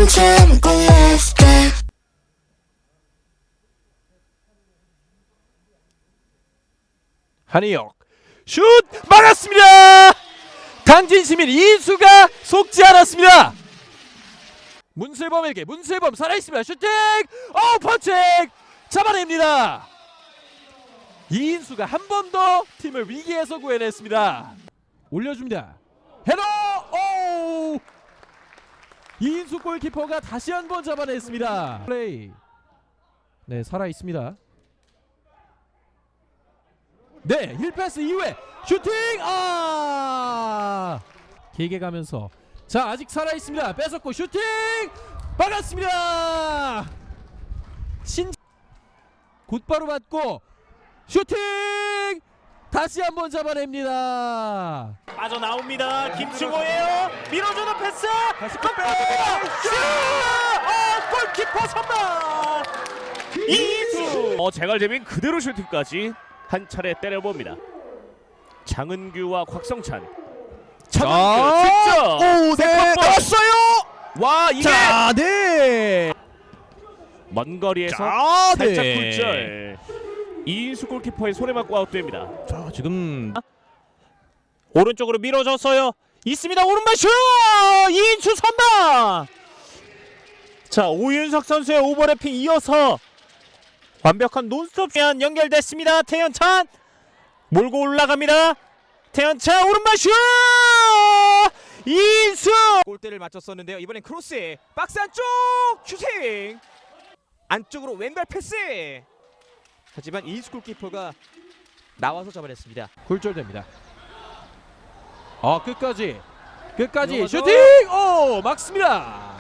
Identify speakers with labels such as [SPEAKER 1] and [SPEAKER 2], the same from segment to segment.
[SPEAKER 1] 참고 left it.
[SPEAKER 2] 한희혁 슛 막았습니다. 강진시민 이수가 속지 않았습니다. 문슬범에게 문슬범 살아있습니다. 슈팅 펀칭 잡아냅니다. 이인수가 한 번 더 팀을 위기에서 구해냈습니다. 올려줍니다. 헤더 이인수 골키퍼가 다시 한 번 잡아냈습니다. 플레이 네 살아있습니다. 네 1패스 이후에 슈팅 길게 가면서 자 아직 살아있습니다. 뺏었고 슈팅 막았습니다. 곧바로 받고 슈팅 다시 한번 잡아냅니다.
[SPEAKER 3] 빠져나옵니다. 김충호예요. 밀어주는 패스.
[SPEAKER 2] 다시
[SPEAKER 3] 슛! 골키퍼 선방. 이수. 제갈재민 그대로 슈팅까지 한 차례 때려봅니다. 장은규와 곽성찬. 장은규 직접.
[SPEAKER 2] 네 나왔어요.
[SPEAKER 3] 와 이게
[SPEAKER 2] 자, 네.
[SPEAKER 3] 먼 거리에서
[SPEAKER 2] 자,
[SPEAKER 3] 살짝
[SPEAKER 2] 네.
[SPEAKER 3] 굴절. 이인수 골키퍼의 손에 맞고 아웃됩니다.
[SPEAKER 2] 자, 지금
[SPEAKER 3] 오른쪽으로 밀어줬어요. 있습니다. 오른발 슛! 이인수 선방! 자, 오윤석 선수의 오버래핑 이어서 완벽한 논스톱 제한 연결됐습니다. 태연찬 몰고 올라갑니다. 태연찬 오른발 슛! 이인수!
[SPEAKER 4] 골대를 맞췄었는데요. 이번엔 크로스 박스 안쪽 슈팅 안쪽으로 왼발 패스. 하지만 이인수 골키퍼가 나와서 잡아냈습니다.
[SPEAKER 2] 굴절됩니다. 끝까지
[SPEAKER 4] 들어가죠.
[SPEAKER 2] 슈팅 막습니다.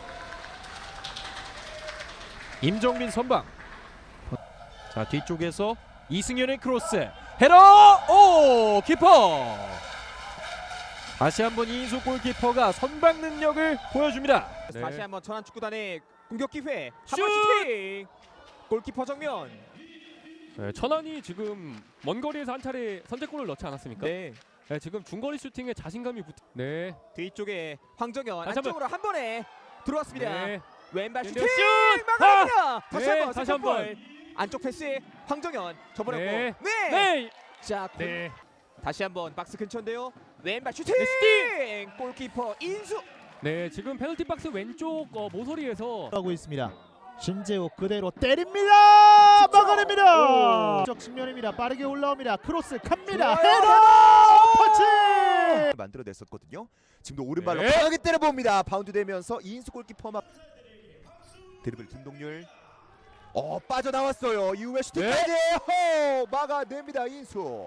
[SPEAKER 2] 임정민 선방. 자 뒤쪽에서 이승현의 크로스 헤더 키퍼 다시 한번 이인수 골키퍼가 선방 능력을 보여줍니다. 네.
[SPEAKER 4] 다시 한번 천안축구단의 공격 기회.
[SPEAKER 2] 슛!
[SPEAKER 4] 한번 슈팅. 골키퍼 정면.
[SPEAKER 5] 네, 천안이 지금 먼 거리에서 한 차례 선제골을 넣지 않았습니까?
[SPEAKER 4] 네.
[SPEAKER 5] 네, 지금 중거리 슈팅에 자신감이 네.
[SPEAKER 4] 뒤쪽에 황정현
[SPEAKER 5] 다시
[SPEAKER 4] 안쪽으로 한 번에 들어왔습니다.
[SPEAKER 5] 네.
[SPEAKER 4] 왼발
[SPEAKER 5] 네,
[SPEAKER 4] 슈팅
[SPEAKER 5] 슛!
[SPEAKER 4] 막아냅니다. 다시
[SPEAKER 5] 네,
[SPEAKER 4] 한번
[SPEAKER 5] 다시 한번.
[SPEAKER 4] 세컨볼. 안쪽 패스 황정현 접어냈고
[SPEAKER 5] 네.
[SPEAKER 4] 네.
[SPEAKER 5] 네.
[SPEAKER 4] 자
[SPEAKER 5] 네.
[SPEAKER 4] 다시 한번 박스 근처인데요. 왼발 슈팅.
[SPEAKER 5] 네,
[SPEAKER 4] 골키퍼 인수.
[SPEAKER 5] 네, 지금 페널티 박스 왼쪽 모서리에서
[SPEAKER 6] 하고 있습니다. 신재욱 그대로 때립니다. 막아냅니다. 적 측면입니다. 빠르게 올라옵니다. 크로스 갑니다. 헤더 터치.
[SPEAKER 7] 만들어냈었거든요. 지금도 오른발로
[SPEAKER 2] 네.
[SPEAKER 7] 강하게 때려봅니다. 바운드 되면서 이인수 골키퍼 막 드리블 김동률 빠져나왔어요. 이후에 슈팅까지 막아냅니다. 이인수.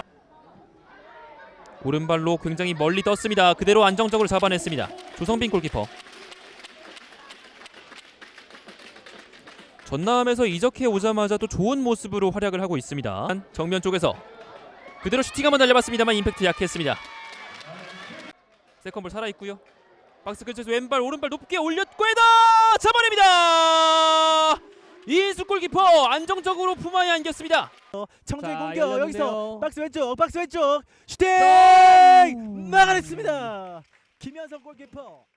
[SPEAKER 8] 오른발로 굉장히 멀리 떴습니다. 그대로 안정적으로 잡아냈습니다. 조성빈 골키퍼. 전남에서 이적해 오자마자 또 좋은 모습으로 활약을 하고 있습니다. 정면 쪽에서 그대로 슈팅 한번 날려봤습니다만 임팩트 약했습니다. 세컨볼 살아있고요. 박스 근처에서 왼발 오른발 높게 올렸고 헤더 잡아냅니다. 이인수 골키퍼 안정적으로 품안에 안겼습니다.
[SPEAKER 6] 청주의
[SPEAKER 2] 자,
[SPEAKER 6] 공격
[SPEAKER 2] 열렸는데요.
[SPEAKER 6] 여기서 박스 왼쪽 슈팅 막아냈습니다. 김현성 골키퍼.